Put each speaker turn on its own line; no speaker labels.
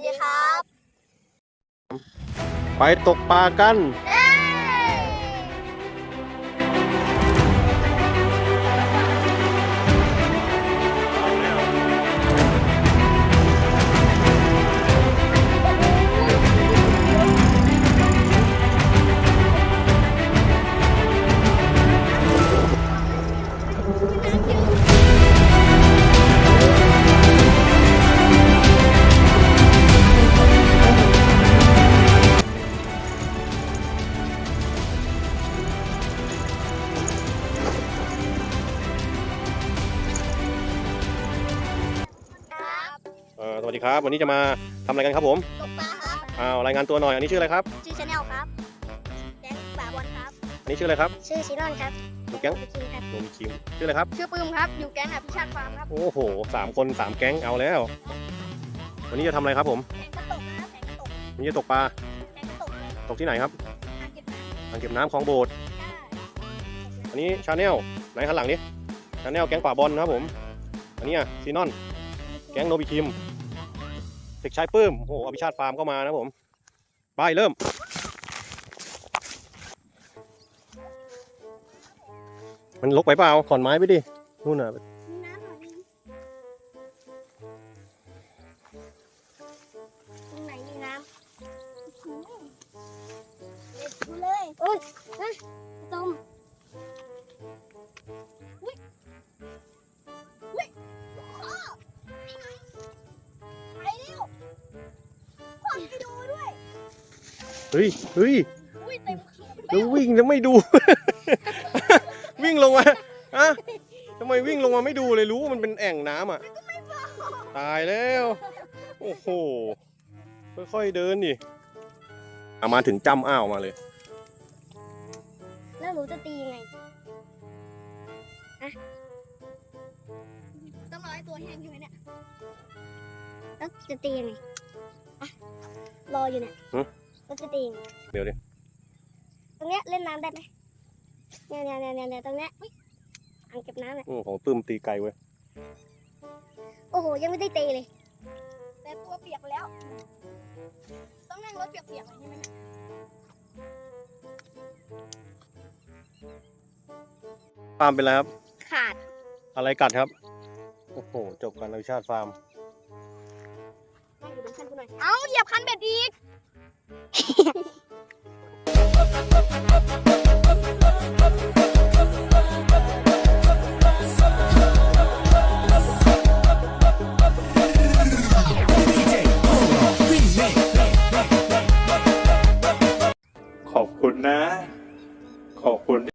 สดีครับ
ไปตกปลากัน สวัสดีครับ วันนี้จะมาทำอะไรกันครับผม
ตกปลาครับ
รายงานตัวหน่อย อันนี้ชื่ออะไรครับ
ชื่อชาแนลครับแดงป่าบอลครับ
อันนี้ชื่ออะไรครับ
ชื่อซีนอนครับ
อยู่แก๊ง
คิมครับ
โนมคิมชื่ออะไรครับ
ชื่อปื้มครับ อยู่แก๊งอภิชาติฟาร์มครับ
โอ้โห3 คน 3 แก๊งเอาแล้ว วันนี้จะทำอะไรครับผม
แข่งกระตกนะครับแข่งกระตก
วันนี้จะตกปลา
แข่งกระตกเลย
ตกที่ไหนครับ
อ่างเก็บน้
อ่างเก็บน้ำคลองโบสถ์
ำ
อันนี้ชาแนลไหนข้างหลังนี้ชาแนลแก๊งป่าบอลนะครับผม อันนี้ซีนอน แก๊งโนบิคิม เด็กชายปื้ม โอ้โห อภิชาติฟาร์มก็มานะผม ไปเริ่ม มันลกไปเปล่าขอนไม้ไปดิ นู่นน่ะ
มีน้ำหน่อยนึงตรงไหนมีน้ำเด็ดดูเลยโอ้ยฮะจมอุ้ยอุ้ยพ่อนี่ไงไปเร็วพ่อไปดูด้วย
เฮ้ย
อุ้ยเต็มขา
แล้ววิ่งแล้วไม่ดู วิ่งลงมาอะทำไมวิ่งลงมาไม่ดูเลยรู้ว่ามันเป็นแอ่งน้ำอ่ะ ตายแล้ว โอ้โห ค่อยๆเดินดิมาถึงจำอ้าวมาเลย
แล้วหนูจะตียังไงอะต้องรอให้ตัวแห้งใช่ไหมเนี่ยแล้วจะตียังไงอะรออยู่เนี่ย
หึ
แล้วจะตียังไง
เดี๋ยวดิ
ตรงเนี้ยเล่นน้ำได้ไหมเนี่ยตรงเนี้ยอุ๊ยอ่างเก็บน้ำเนี่ย
ของปื้มตีไกลเว้ย
โอ้โหยังไม่ได้ตีเลย แต่ตัวเปียกแล้ว ต้องนั่งรถเปียกๆใช่ไหมเนี่ย
ฟาร์มเป็นไรครับ
ขาด
อะไรกัดครับ โอ้โห จบกันอภิชาติฟาร์ม
นั่งอยู่บนคันกูหน่อยเอ้าเหยียบคันเบ็ดอีก
ขอบคุณนะ ขอบคุณ